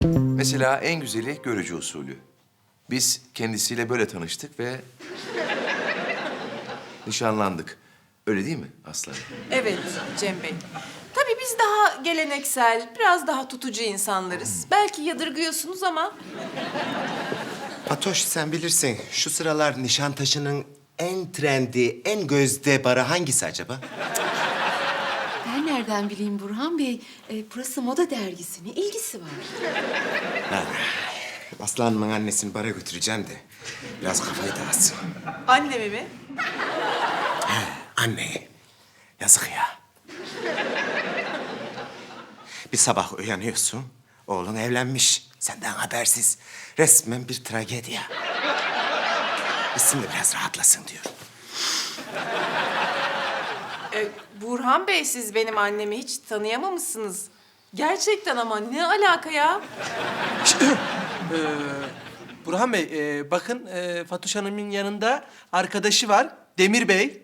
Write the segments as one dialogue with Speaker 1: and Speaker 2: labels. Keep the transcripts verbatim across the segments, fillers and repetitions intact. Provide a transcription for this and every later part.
Speaker 1: Mesela en güzeli görücü usulü. Biz kendisiyle böyle tanıştık ve nişanlandık. Öyle değil mi Aslı?
Speaker 2: Evet Cem Bey. Tabii biz daha geleneksel, biraz daha tutucu insanlarız. Belki yadırgıyorsunuz ama
Speaker 3: Fatoş sen bilirsin. Şu sıralar Nişantaşı'nın en trendi, en gözde barı hangisi acaba?
Speaker 4: Ben nereden bileyim Burhan Bey? Ee, burası moda dergisi. Ne ilgisi var?
Speaker 3: Aslı Hanım'ın annesini bara götüreceğim de biraz kafayı dağıtsın.
Speaker 2: annemi mi?
Speaker 3: Anne, yazık ya. Bir sabah uyanıyorsun, oğlun evlenmiş. Senden habersiz. Resmen bir tragedi ya. Gitsin de biraz rahatlasın diyorum.
Speaker 2: Ee, Burhan Bey siz benim annemi hiç tanıyamamışsınız. Gerçekten ama ne alaka ya?
Speaker 5: Burhan Bey, e, bakın e, Fatoş Hanım'ın yanında arkadaşı var, Demir Bey.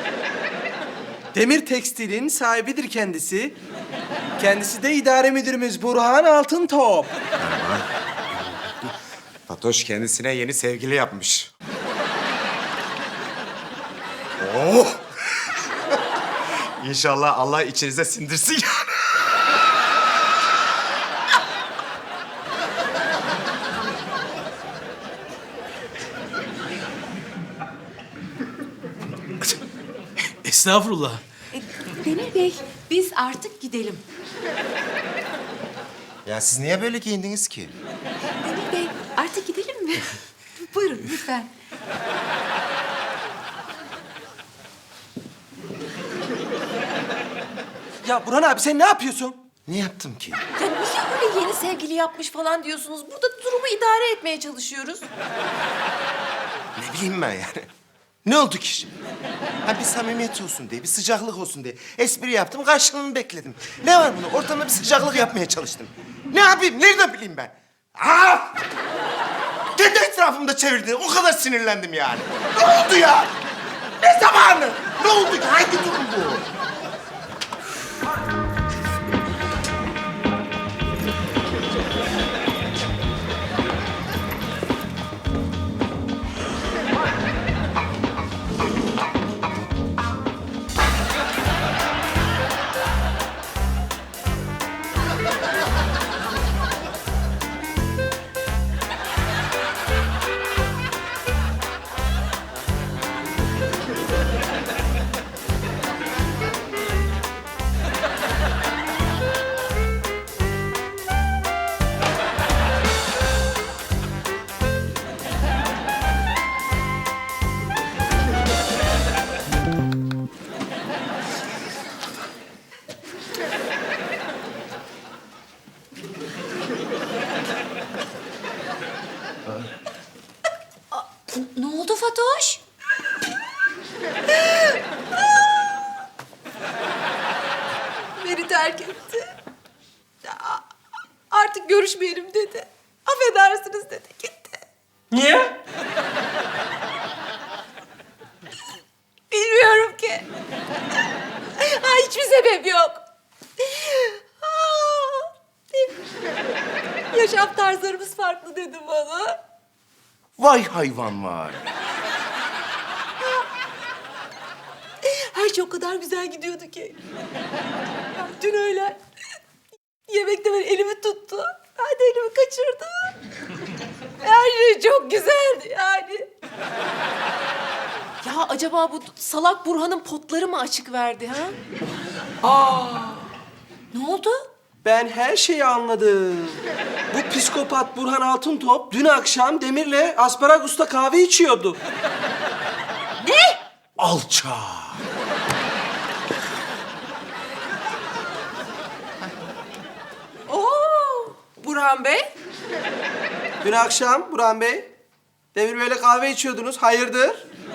Speaker 5: Demir Tekstil'in sahibidir kendisi. Kendisi de idare müdürümüz Burhan Altıntop.
Speaker 3: Fatoş kendisine yeni sevgili yapmış. Oh! İnşallah Allah içinize sindirsin yani.
Speaker 5: Estağfurullah.
Speaker 4: Ee, Demir Bey, biz artık gidelim.
Speaker 3: Ya siz niye böyle giyindiniz ki?
Speaker 4: Demir Bey, artık gidelim mi? Buyurun lütfen.
Speaker 5: Ya Burhan abi sen ne yapıyorsun?
Speaker 3: Ne yaptım ki?
Speaker 2: Ya niye öyle yeni sevgili yapmış falan diyorsunuz? Burada durumu idare etmeye çalışıyoruz.
Speaker 3: Ne bileyim ben yani. Ne oldu ki şimdi? Ha bir samimiyet olsun diye, bir sıcaklık olsun diye. Espri yaptım, karşılığını bekledim. Ne var bunda? Ortamda bir sıcaklık yapmaya çalıştım. Ne yapayım? Nereden bileyim ben? Aa! Kendi etrafımda çevirdi. O kadar sinirlendim yani. Ne oldu ya? Ne zamanı? Ne oldu ki? Hangi durum bu?
Speaker 4: Ne oldu Fatoş?
Speaker 2: Beni terk etti. Ya, artık görüşmeyelim dedi. Affedersiniz dedi, gitti.
Speaker 5: Niye?
Speaker 2: Bilmiyorum ki. Ha, hiçbir sebep yok. Aa, yaşam tarzlarımız farklı dedi bana.
Speaker 1: Vay hayvan var.
Speaker 2: Her şey o kadar güzel gidiyordu ki. Ya, dün öğlen yemekte böyle elimi tuttu. Ben de elimi kaçırdım. Her şey çok güzeldi yani. Ya acaba bu salak Burhan'ın potları mı açık verdi ha?
Speaker 4: Ne oldu?
Speaker 5: Ben her şeyi anladım. Bu psikopat Burhan Altıntop dün akşam Demir'le Asparagus'ta kahve içiyordu.
Speaker 3: Alça.
Speaker 2: Oo, Burhan Bey.
Speaker 5: Dün akşam Burhan Bey, Demir Bey'le kahve içiyordunuz. Hayırdır?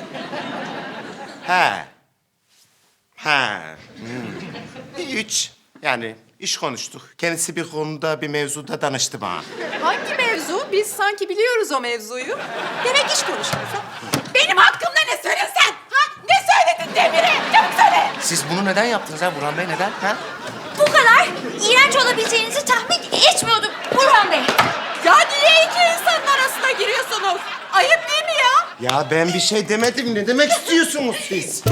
Speaker 3: He. He. Hmm. Üç. Yani iş konuştuk. Kendisi bir konuda, bir mevzuda danıştı bana.
Speaker 2: Hangi mevzu? Biz sanki biliyoruz o mevzuyu. Demek iş konuşuyoruz ha? Benim hakkımda ne söylüyorsun sen? Ha? Ne söyledin Demir'e? Çabuk söyle.
Speaker 1: Siz bunu neden yaptınız ha Burhan Bey? Neden? Ha?
Speaker 2: Bu kadar.
Speaker 6: iğrenç olabileceğinizi tahmin etmiyordum Burhan Bey.
Speaker 2: Ya niye iki insanın arasına giriyorsunuz? Ayıp değil mi ya?
Speaker 3: Ya ben bir şey demedim. Ne demek istiyorsunuz siz?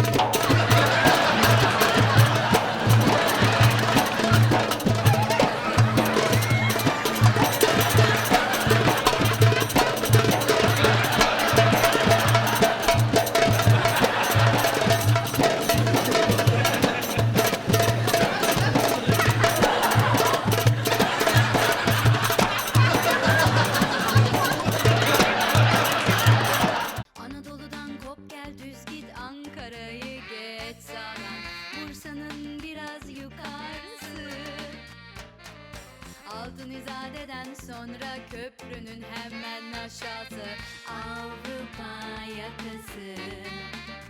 Speaker 7: Anadolu'dan kop gel düz git Ankara'yı geç sağdan Bursa'nın biraz yukarısı Altın İzade'den sonra köprünün hemen aşağısı Avrupa yakası